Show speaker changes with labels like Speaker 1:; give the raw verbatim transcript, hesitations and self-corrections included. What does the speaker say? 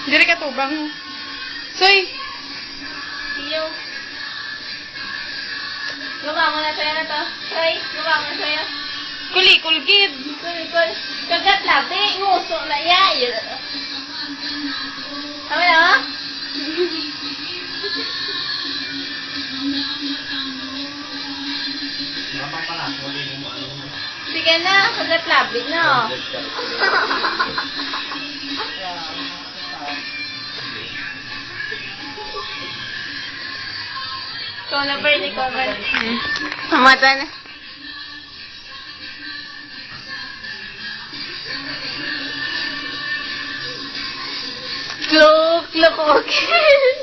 Speaker 1: Diri ka tubang. Soy.
Speaker 2: Iyo. Gawa mo na sa'yo na to. Soy, gawa mo na sa'yo.
Speaker 1: Kuli, kulkid.
Speaker 2: Kul, kul. Kagat labi. Nguso na ya. Tama na, ha? Sige na. Kagat labi na. Ikaw na, Bern. Ikaw, Bern.
Speaker 1: Mata na.
Speaker 2: Look, look, okay.